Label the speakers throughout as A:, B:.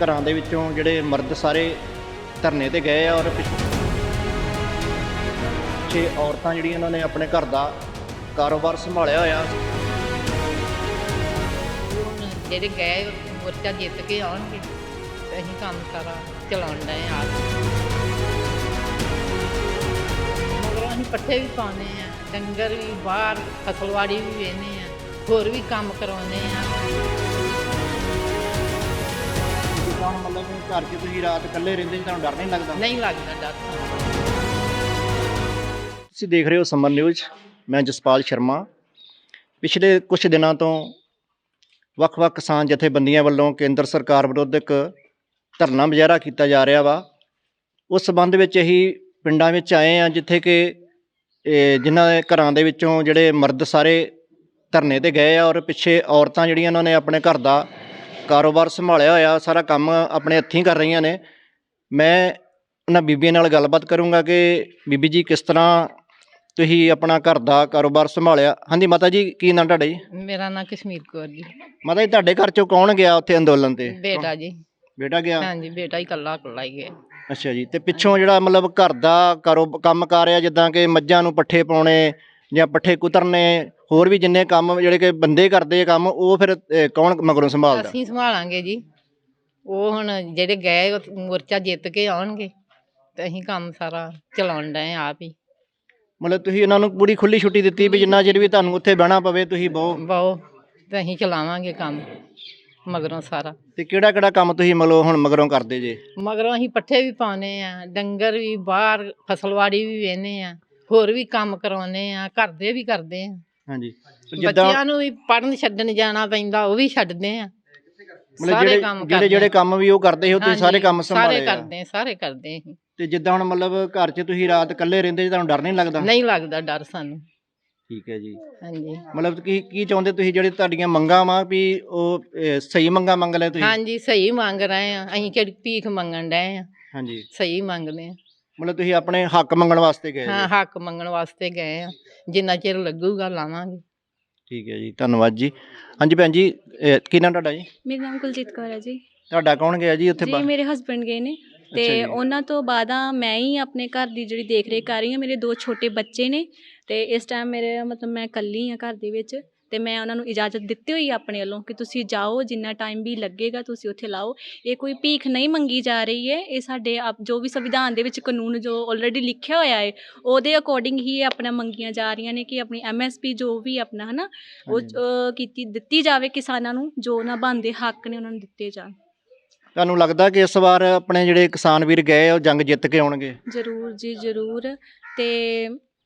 A: ਘਰਾਂ ਦੇ ਵਿੱਚੋਂ ਜਿਹੜੇ ਮਰਦ ਸਾਰੇ ਧਰਨੇ ਤੇ ਗਏ ਆ ਔਰ ਪਿੱਛੇ ਔਰਤਾਂ ਜਿਹੜੀਆਂ ਉਹਨਾਂ ਨੇ ਆਪਣੇ ਘਰ ਦਾ ਕਾਰੋਬਾਰ ਸੰਭਾਲਿਆ ਹੋਇਆ।
B: ਹੁਣ ਜਿਹੜੇ ਗਏ ਮੋਰਚਾ ਜਿੱਤ ਕੇ ਆਉਣਗੇ ਤੇ ਅਸੀਂ ਕੰਮ ਸਾਰਾ ਚਲਾਉਣ ਡਏ ਆ। ਮਗਰ ਅਸੀਂ ਪੱਠੇ ਵੀ ਪਾਉਂਦੇ ਆ, ਡੰਗਰ ਵੀ ਬਾਹਰ ਫਸਲਵਾੜੀ ਵੀ ਵੇਚਦੇ ਆ, ਹੋਰ ਵੀ ਕੰਮ ਕਰਵਾਉਂਦੇ ਆ।
A: ਜਿੱਦਾਂ ਹੁਣ ਮਤਲਬ ਘਰ 'ਚ ਤੁਸੀਂ ਰਾਤ ਇਕੱਲੇ ਰਹਿੰਦੇ ਜੀ, ਤੁਹਾਨੂੰ ਡਰ ਨਹੀਂ ਲੱਗਦਾ?
B: ਨਹੀਂ ਲੱਗਦਾ ਡਰ।
A: ਤੁਸੀਂ ਦੇਖ ਰਹੇ ਹੋ ਸਮਰ ਨਿਊਜ਼, ਮੈਂ ਜਸਪਾਲ ਸ਼ਰਮਾ। ਪਿਛਲੇ ਕੁਝ ਦਿਨਾਂ ਤੋਂ ਵੱਖ-ਵੱਖ ਕਿਸਾਨ ਜਥੇਬੰਦੀਆਂ ਵੱਲੋਂ ਕੇਂਦਰ ਸਰਕਾਰ ਵਿਰੁੱਧ ਇੱਕ ਧਰਨਾ ਮੁਜ਼ਾਹਰਾ ਕੀਤਾ ਜਾ ਰਿਹਾ ਵਾ। ਉਸ ਸੰਬੰਧ ਵਿੱਚ ਅਸੀਂ ਪਿੰਡਾਂ ਵਿੱਚ ਆਏ ਹਾਂ ਜਿੱਥੇ ਕਿ ਜਿਨ੍ਹਾਂ ਦੇ ਘਰਾਂ ਦੇ ਵਿੱਚੋਂ ਜਿਹੜੇ ਮਰਦ ਸਾਰੇ ਧਰਨੇ ਤੇ ਗਏ ਆ ਔਰ ਪਿੱਛੇ ਔਰਤਾਂ ਜਿਹੜੀਆਂ ਉਹਨਾਂ ਨੇ ਆਪਣੇ ਘਰ ਦਾ ਕਾਰੋਬਾਰ ਸੰਭਾਲਿਆ ਹੋਇਆ, ਸਾਰਾ ਕੰਮ ਆਪਣੇ ਹੱਥੀਂ ਕਰ ਰਹੀਆਂ ਨੇ। ਮੈਂ ਉਹਨਾਂ ਬੀਬੀਆਂ ਨਾਲ ਗੱਲਬਾਤ ਕਰੂੰਗਾ ਕਿ ਬੀਬੀ ਜੀ ਕਿਸ ਤਰ੍ਹਾਂ ਤੁਸੀਂ ਆਪਣਾ ਘਰ ਦਾ ਕਾਰੋਬਾਰ ਸੰਭਾਲਿਆ। ਹਾਂਜੀ ਮਾਤਾ ਜੀ, ਕੀ ਨਾਂ ਤੁਹਾਡਾ ਜੀ?
B: ਮੇਰਾ ਨਾਂ ਕਸ਼ਮੀਰ ਕੌਰ ਜੀ।
A: ਮਾਤਾ ਜੀ, ਤੁਹਾਡੇ ਘਰ ਚੋਂ ਕੌਣ ਗਿਆ ਉੱਥੇ ਅੰਦੋਲਨ ਤੇ?
B: ਬੇਟਾ ਜੀ।
A: ਬੇਟਾ ਗਿਆ?
B: ਹਾਂਜੀ, ਬੇਟਾ ਹੀ ਇਕੱਲਾ ਹੀ ਗਿਆ।
A: ਅੱਛਾ ਜੀ। ਤੇ ਪਿੱਛੋਂ ਜਿਹੜਾ ਮਤਲਬ ਘਰ ਦਾ ਕੰਮ ਕਾਰ ਆ, ਜਿੱਦਾਂ ਕਿ ਮੱਝਾਂ ਨੂੰ ਪੱਠੇ ਪਾਉਣੇ ਜਾਂ ਪੱਠੇ ਕੁਤਰਨੇ, ਹੋਰ ਵੀ ਜਿੰਨੇ ਕੰਮ ਜਿਹੜੇ ਕਿ ਬੰਦੇ ਕਰਦੇ ਕੰਮ, ਉਹ ਫਿਰ ਕੌਣ ਮਗਰੋਂ ਸੰਭਾਲਦਾ?
B: ਅਸੀਂ ਸੰਭਾਲਾਂਗੇ ਜੀ। ਉਹ ਹੁਣ ਜਿਹੜੇ ਗਏ ਉਹ ਮੋਰਚਾ ਜਿੱਤ ਕੇ ਆਉਣਗੇ ਤੇ ਅਸੀਂ ਕੰਮ ਸਾਰਾ ਚਲਾਉਣ ਡਏ ਆਪ ਹੀ।
A: ਮਤਲਬ ਤੁਸੀਂ ਉਹਨਾਂ ਨੂੰ ਪੂਰੀ ਖੁੱਲੀ ਛੁੱਟੀ ਦਿੱਤੀ ਵੀ ਜਿੰਨਾ ਚਿਰ ਵੀ ਤੁਹਾਨੂੰ ਉੱਥੇ ਬਹਿਣਾ ਪਵੇ ਤੁਸੀਂ
B: ਬਹੁ ਤੇ ਅਸੀਂ ਚਲਾਵਾਂਗੇ ਕੰਮ ਮਗਰੋਂ ਸਾਰਾ।
A: ਤੇ ਕਿਹੜਾ ਕੰਮ ਤੁਸੀਂ ਮਤਲਬ ਹੁਣ ਮਗਰੋਂ ਕਰਦੇ ਜੇ?
B: ਮਗਰੋਂ ਅਸੀਂ ਪੱਠੇ ਵੀ ਪਾਉਂਦੇ ਆ, ਡੰਗਰ ਵੀ ਬਾਹਰ ਫਸਲਵਾੜੀ ਵੀ ਵੇਚਦੇ ਆ, ਹੋਰ ਵੀ ਕੰਮ ਕਰਵਾਉਂਦੇ ਆ, ਘਰ ਦੇ ਵੀ ਕਰਦੇ ਆ।
A: ਹਾਂਜੀ।
B: ਬੱਚਿਆਂ ਨੂੰ ਵੀ ਪੜ੍ਹਨ ਛੱਡਣ ਜਾਣਾ ਪੈਂਦਾ, ਉਹ ਵੀ ਛੱਡਦੇ ਆ। ਸਾਰੇ ਕੰਮ
A: ਜਿਹੜੇ ਕੰਮ ਵੀ ਉਹ ਕਰਦੇ ਸੀ, ਉਹ ਤੁਸੀਂ ਸਾਰੇ ਕੰਮ ਸੰਭਾਲੇ?
B: ਸਾਰੇ ਕਰਦੇ ਅਸੀਂ।
A: ਤੇ ਜਿੱਦਾਂ ਹੁਣ ਮਤਲਬ ਘਰ 'ਚ ਤੁਸੀਂ ਰਾਤ ਇਕੱਲੇ ਰਹਿੰਦੇ ਜੀ, ਤੁਹਾਨੂੰ ਡਰ ਨਹੀਂ ਲੱਗਦਾ?
B: ਨਹੀਂ ਲੱਗਦਾ ਡਰ ਸਾਨੂੰ।
A: ਠੀਕ ਹੈ ਜੀ।
B: ਹਾਂਜੀ।
A: ਮਤਲਬ ਕੀ ਚਾਹੁੰਦੇ ਤੁਸੀਂ, ਜਿਹੜੇ ਤੁਹਾਡੀਆਂ ਮੰਗਾਂ ਵਾ ਵੀ ਉਹ ਸਹੀ ਮੰਗਾਂ ਮੰਗ ਲੈ ਤੁਸੀਂ?
B: ਹਾਂਜੀ, ਸਹੀ ਮੰਗ ਰਹੇ ਆ ਅਸੀਂ, ਕਿਹੜੀ ਭੀਖ ਮੰਗਣ ਡਏ ਆ।
A: ਹਾਂਜੀ,
B: ਸਹੀ ਮੰਗਦੇ ਆ।
A: ਮਤਲਬ ਤੁਸੀਂ ਆਪਣੇ ਹੱਕ ਮੰਗਣ ਵਾਸਤੇ ਗਏ?
B: ਹਾਂ, ਹੱਕ ਮੰਗਣ ਵਾਸਤੇ ਗਏ ਆ। ਜਿੰਨਾ ਚਿਰ ਲੱਗੂਗਾ ਲਾਵਾਂਗੇ।
A: ਠੀਕ ਹੈ ਜੀ, ਧੰਨਵਾਦ ਜੀ। ਹਾਂਜੀ ਭੈਣ ਜੀ, ਕੀ ਨਾਮ ਤੁਹਾਡਾ ਜੀ?
C: ਮੇਰਾ ਨਾਮ ਕੁਲਜੀਤ ਕੌਰ ਹੈ ਜੀ।
A: ਤੁਹਾਡਾ ਕੌਣ ਗਿਆ ਜੀ ਉੱਥੇ?
C: ਜੀ ਮੇਰੇ ਹਸਬੈਂਡ ਗਏ ਨੇ ਤੇ ਉਹਨਾਂ ਤੋਂ ਬਾਅਦ ਮੈਂ ਹੀ ਆਪਣੇ ਘਰ ਦੀ ਜਿਹੜੀ ਦੇਖ ਰੇਖ ਕਰ ਰਹੀ ਹਾਂ। ਮੇਰੇ 2 ਛੋਟੇ ਬੱਚੇ ਨੇ ਤੇ ਇਸ ਟਾਈਮ ਮੇਰੇ ਮਤਲਬ ਮੈਂ ਇਕੱਲੀ ਹਾਂ ਘਰ ਦੇ ਵਿੱਚ, ਤੇ ਮੈਂ ਉਹਨਾਂ ਨੂੰ ਇਜਾਜ਼ਤ ਦਿੱਤੀ ਹੋਈ ਆਪਣੇ ਵੱਲੋਂ ਕਿ ਤੁਸੀਂ ਜਾਓ, ਜਿੰਨਾ ਟਾਈਮ ਵੀ ਲੱਗੇਗਾ ਤੁਸੀਂ ਉੱਥੇ ਲਾਓ। ਇਹ ਕੋਈ ਭੀਖ ਨਹੀਂ ਮੰਗੀ ਜਾ ਰਹੀ ਹੈ, ਇਹ ਸਾਡੇ ਜੋ ਵੀ ਸੰਵਿਧਾਨ ਦੇ ਵਿੱਚ ਕਾਨੂੰਨ ਜੋ ਆਲਰੇਡੀ ਲਿਖਿਆ ਹੋਇਆ ਹੈ ਉਹਦੇ ਅਕੋਰਡਿੰਗ ਹੀ ਇਹ ਆਪਣਾ ਮੰਗੀਆਂ ਜਾ ਰਹੀਆਂ ਨੇ ਕਿ ਆਪਣੀ MSP ਜੋ ਵੀ ਆਪਣਾ ਹੈ ਨਾ ਉਹ ਦਿੱਤੀ ਜਾਵੇ ਕਿਸਾਨਾਂ ਨੂੰ, ਜੋ ਉਹਨਾਂ ਬਣਦੇ ਹੱਕ ਨੇ ਉਹਨਾਂ ਨੂੰ ਦਿੱਤੇ ਜਾਣ।
A: ਤੁਹਾਨੂੰ ਲੱਗਦਾ ਕਿ ਇਸ ਵਾਰ ਆਪਣੇ ਜਿਹੜੇ ਕਿਸਾਨ ਵੀਰ ਗਏ ਉਹ ਜੰਗ ਜਿੱਤ ਕੇ ਆਉਣਗੇ?
C: ਜ਼ਰੂਰ ਜੀ ਜ਼ਰੂਰ। ਤੇ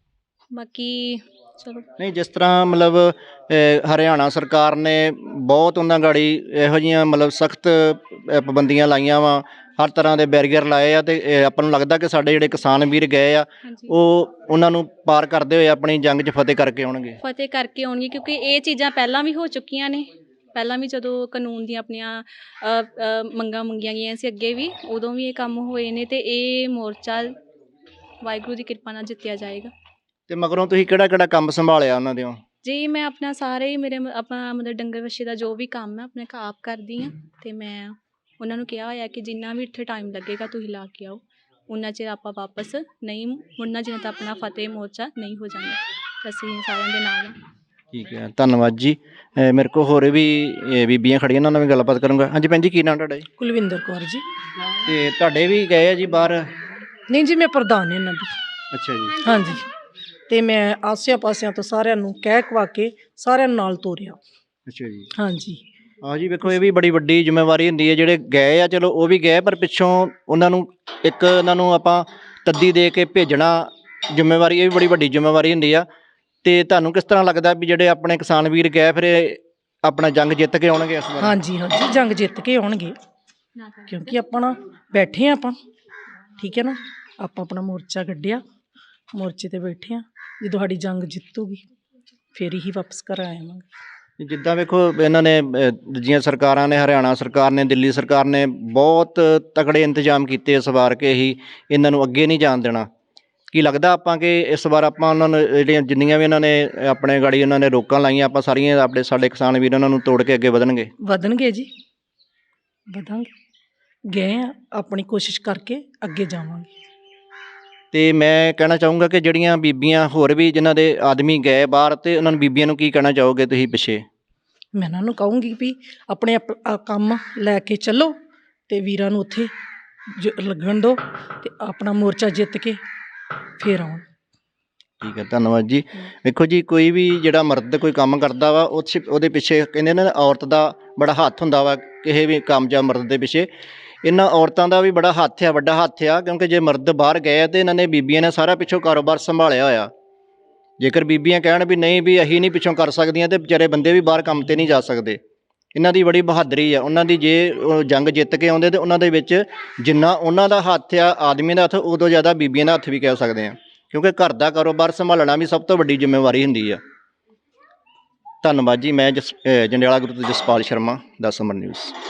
C: ਬਾਕੀ ਚਲੋ, ਨਹੀਂ
A: ਜਿਸ ਤਰ੍ਹਾਂ ਮਤਲਬ ਹਰਿਆਣਾ ਸਰਕਾਰ ਨੇ ਬਹੁਤ ਉਹਨਾਂ ਗਾੜੀ ਇਹੋ ਜਿਹੀਆਂ ਮਤਲਬ ਸਖਤ ਪਾਬੰਦੀਆਂ ਲਾਈਆਂ ਵਾ, ਹਰ ਤਰ੍ਹਾਂ ਦੇ ਬੈਰੀਅਰ ਲਾਏ ਆ, ਤੇ ਆਪਾਂ ਨੂੰ ਲੱਗਦਾ ਕਿ ਸਾਡੇ ਜਿਹੜੇ ਕਿਸਾਨ ਵੀਰ ਗਏ ਆ ਉਹ ਉਹਨਾਂ ਨੂੰ ਪਾਰ ਕਰਦੇ ਹੋਏ ਆਪਣੀ ਜੰਗ 'ਚ ਫਤਿਹ ਕਰਕੇ ਆਉਣਗੇ?
C: ਫਤਿਹ ਕਰਕੇ ਆਉਣਗੇ, ਕਿਉਂਕਿ ਇਹ ਚੀਜ਼ਾਂ ਪਹਿਲਾਂ ਵੀ ਹੋ ਚੁੱਕੀਆਂ ਨੇ। ਪਹਿਲਾਂ ਵੀ ਜਦੋਂ ਕਾਨੂੰਨ ਦੀਆਂ ਆਪਣੀਆਂ ਮੰਗਾਂ ਮੰਗੀਆਂ ਗਈਆਂ ਸੀ ਅੱਗੇ ਵੀ, ਉਦੋਂ ਵੀ ਇਹ ਕੰਮ ਹੋਏ ਨੇ, ਤੇ ਇਹ ਮੋਰਚਾ ਵਾਹਿਗੁਰੂ ਦੀ ਕਿਰਪਾ ਨਾਲ ਜਿੱਤਿਆ ਜਾਏਗਾ।
A: ਤੇ ਮਗਰੋਂ ਤੁਸੀਂ ਕਿਹੜਾ ਕੰਮ ਸੰਭਾਲਿਆ ਉਹਨਾਂ ਦਿਓ?
C: ਜੀ ਮੈਂ ਆਪਣਾ ਸਾਰੇ ਹੀ ਮੇਰੇ ਆਪਣਾ ਮਤਲਬ ਡੰਗਰ ਵੱਛੇ ਦਾ ਜੋ ਵੀ ਕੰਮ ਹੈ ਆਪਣੇ ਆਪ ਕਰਦੀ ਹਾਂ, ਤੇ ਮੈਂ ਉਹਨਾਂ ਨੂੰ ਕਿਹਾ ਹੋਇਆ ਕਿ ਜਿੰਨਾ ਵੀ ਇੱਥੇ ਟਾਈਮ ਲੱਗੇਗਾ ਤੁਸੀਂ ਲਾ ਕੇ ਆਓ, ਉਨਾ ਚਿਰ ਆਪਾਂ ਵਾਪਸ ਨਹੀਂ ਮੁੜਨਾ ਜਿੰਨਾ ਤੱਕ ਆਪਣਾ ਫਤਿਹ ਮੋਰਚਾ ਨਹੀਂ ਹੋ ਜਾਂਦਾ। ਅਸੀਂ ਸਾਰਿਆਂ ਦੇ ਨਾਲ।
A: ਠੀਕ ਹੈ, ਧੰਨਵਾਦ ਜੀ। ਮੇਰੇ ਕੋਲ ਹੋਰ ਵੀ ਬੀਬੀਆਂ ਖੜੀਆਂ, ਉਹਨਾਂ ਨਾਲ ਵੀ ਗੱਲਬਾਤ ਕਰੂੰਗਾ। ਹਾਂਜੀ ਭੈਣ ਜੀ, ਕੀ ਨਾਮ ਤੁਹਾਡਾ ਜੀ?
D: ਕੁਲਵਿੰਦਰ ਕੌਰ ਜੀ।
A: ਤੇ ਤੁਹਾਡੇ ਵੀ ਗਏ ਆ ਜੀ ਬਾਹਰ?
D: ਨਹੀਂ ਜੀ, ਮੈਂ ਪ੍ਰਧਾਨ ਇਹਨਾਂ ਦੀ।
A: ਅੱਛਾ ਜੀ।
D: ਹਾਂਜੀ, ਤੇ ਮੈਂ ਆਸਿਆਂ ਪਾਸਿਆਂ ਤੋਂ ਸਾਰਿਆਂ ਨੂੰ ਕਹਿ ਕਵਾ ਕੇ ਸਾਰਿਆਂ ਨੂੰ ਨਾਲ ਤੋਰਿਆ।
A: ਅੱਛਾ ਜੀ।
D: ਹਾਂਜੀ
A: ਹਾਂ ਜੀ, ਵੇਖੋ ਇਹ ਵੀ ਬੜੀ ਵੱਡੀ ਜ਼ਿੰਮੇਵਾਰੀ ਹੁੰਦੀ ਹੈ। ਜਿਹੜੇ ਗਏ ਆ ਚਲੋ ਉਹ ਵੀ ਗਏ, ਪਰ ਪਿੱਛੋਂ ਉਹਨਾਂ ਨੂੰ ਆਪਾਂ ਤੱਦੀ ਦੇ ਕੇ ਭੇਜਣਾ ਜ਼ਿੰਮੇਵਾਰੀ, ਇਹ ਵੀ ਬੜੀ ਵੱਡੀ ਜ਼ਿੰਮੇਵਾਰੀ ਹੁੰਦੀ ਆ। ਤੇ ਤੁਹਾਨੂੰ ਕਿਸ ਤਰ੍ਹਾਂ ਲੱਗਦਾ ਵੀ ਜਿਹੜੇ ਆਪਣੇ ਕਿਸਾਨ ਵੀਰ ਗਏ ਫਿਰ ਆਪਣਾ ਜੰਗ ਜਿੱਤ ਕੇ ਆਉਣਗੇ ਇਸ ਵਾਰ?
D: ਹਾਂਜੀ ਹਾਂਜੀ, ਜੰਗ ਜਿੱਤ ਕੇ ਆਉਣਗੇ, ਕਿਉਂਕਿ ਆਪਾਂ ਬੈਠੇ ਆਪਾਂ, ਠੀਕ ਹੈ ਨਾ, ਆਪਾਂ ਆਪਣਾ ਮੋਰਚਾ ਕੱਢਿਆ, ਮੋਰਚੇ ਤੇ ਬੈਠੇ ਆ। ਜਦੋਂ ਸਾਡੀ ਜੰਗ ਜਿੱਤੂਗੀ ਫਿਰ ਹੀ ਵਾਪਸ ਘਰ ਆਵਾਂਗੇ।
A: ਜਿੱਦਾਂ ਵੇਖੋ ਇਹਨਾਂ ਨੇ ਦੂਜੀਆਂ ਸਰਕਾਰਾਂ ਨੇ, ਹਰਿਆਣਾ ਸਰਕਾਰ ਨੇ, ਦਿੱਲੀ ਸਰਕਾਰ ਨੇ ਬਹੁਤ ਤਕੜੇ ਇੰਤਜ਼ਾਮ ਕੀਤੇ ਇਸ ਵਾਰ ਕਿ ਅਸੀਂ ਇਹਨਾਂ ਨੂੰ ਅੱਗੇ ਨਹੀਂ ਜਾਣ ਦੇਣਾ। ਕੀ ਲੱਗਦਾ ਆਪਾਂ ਕਿ ਇਸ ਵਾਰ ਆਪਾਂ ਉਹਨਾਂ ਨੂੰ ਜਿਹੜੀਆਂ ਜਿੰਨੀਆਂ ਵੀ ਇਹਨਾਂ ਨੇ ਆਪਣੇ ਗਾੜੀ ਉਹਨਾਂ ਨੇ ਰੋਕਾਂ ਲਾਈਆਂ, ਆਪਾਂ ਸਾਰੀਆਂ ਸਾਡੇ ਕਿਸਾਨ ਵੀਰ ਉਹਨਾਂ ਨੂੰ ਤੋੜ ਕੇ ਅੱਗੇ ਵਧਣਗੇ?
D: ਵਧਣਗੇ ਜੀ, ਵਧਾਂਗੇ। ਗਏ ਆ, ਆਪਣੀ ਕੋਸ਼ਿਸ਼ ਕਰਕੇ ਅੱਗੇ ਜਾਵਾਂਗੇ।
A: ਤੇ ਮੈਂ ਕਹਿਣਾ ਚਾਹੂੰਗਾ ਕਿ ਜਿਹੜੀਆਂ ਬੀਬੀਆਂ ਹੋਰ ਵੀ ਜਿਨ੍ਹਾਂ ਦੇ ਆਦਮੀ ਗਏ ਬਾਹਰ, ਤੇ ਉਹਨਾਂ ਨੂੰ ਬੀਬੀਆਂ ਨੂੰ ਕੀ ਕਹਿਣਾ ਚਾਹੋਗੇ ਤੁਸੀਂ ਪਿੱਛੇ?
D: ਮੈਂ ਉਹਨਾਂ ਨੂੰ ਕਹੂੰਗੀ ਵੀ ਆਪਣੇ ਕੰਮ ਲੈ ਕੇ ਚੱਲੋ ਤੇ ਵੀਰਾਂ ਨੂੰ ਉੱਥੇ ਲੱਗਣ ਦਿਓ ਤੇ ਆਪਣਾ ਮੋਰਚਾ ਜਿੱਤ ਕੇ ਫੇਰ ਆਉਣ।
A: ਠੀਕ ਹੈ, ਧੰਨਵਾਦ ਜੀ। ਵੇਖੋ ਜੀ, ਕੋਈ ਵੀ ਜਿਹੜਾ ਮਰਦ ਕੋਈ ਕੰਮ ਕਰਦਾ ਵਾ ਉਹਦੇ ਪਿੱਛੇ ਕਹਿੰਦੇ ਨੇ ਔਰਤ ਦਾ ਬੜਾ ਹੱਥ ਹੁੰਦਾ ਵਾ, ਕਿਸੇ ਵੀ ਕਾਮਯਾਬ ਮਰਦ ਦੇ ਪਿੱਛੇ। ਇਹਨਾਂ ਔਰਤਾਂ ਦਾ ਵੀ ਬੜਾ ਹੱਥ ਆ, ਵੱਡਾ ਹੱਥ ਆ, ਕਿਉਂਕਿ ਜੇ ਮਰਦ ਬਾਹਰ ਗਏ ਆ ਤੇ ਇਹਨਾਂ ਨੇ ਬੀਬੀਆਂ ਨੇ ਸਾਰਾ ਪਿੱਛੋਂ ਕਾਰੋਬਾਰ ਸੰਭਾਲਿਆ ਹੋਇਆ। ਜੇਕਰ ਬੀਬੀਆਂ ਕਹਿਣ ਵੀ ਨਹੀਂ ਵੀ ਅਸੀਂ ਨਹੀਂ ਪਿੱਛੋਂ ਕਰ ਸਕਦੀਆਂ, ਤੇ ਵਿਚਾਰੇ ਬੰਦੇ ਵੀ ਬਾਹਰ ਕੰਮ 'ਤੇ ਨਹੀਂ ਜਾ ਸਕਦੇ। ਇਹਨਾਂ ਦੀ ਬੜੀ ਬਹਾਦਰੀ ਆ। ਉਹਨਾਂ ਦੀ ਜੇ ਉਹ ਜੰਗ ਜਿੱਤ ਕੇ ਆਉਂਦੇ ਤੇ ਉਹਨਾਂ ਦੇ ਵਿੱਚ ਜਿੰਨਾ ਉਹਨਾਂ ਦਾ ਹੱਥ ਆ ਆਦਮੀਆਂ ਦਾ ਹੱਥ, ਉਦੋਂ ਜ਼ਿਆਦਾ ਬੀਬੀਆਂ ਦਾ ਹੱਥ ਵੀ ਕਹਿ ਸਕਦੇ ਆ, ਕਿਉਂਕਿ ਘਰ ਦਾ ਕਾਰੋਬਾਰ ਸੰਭਾਲਣਾ ਵੀ ਸਭ ਤੋਂ ਵੱਡੀ ਜ਼ਿੰਮੇਵਾਰੀ ਹੁੰਦੀ ਆ। ਧੰਨਵਾਦ ਜੀ। ਮੈਂ ਜੰਡਿਆਲਾ ਗੁਰੂ ਤੋਂ ਜਸਪਾਲ ਸ਼ਰਮਾ, 10 ਨੰਬਰ ਨਿਊਜ਼।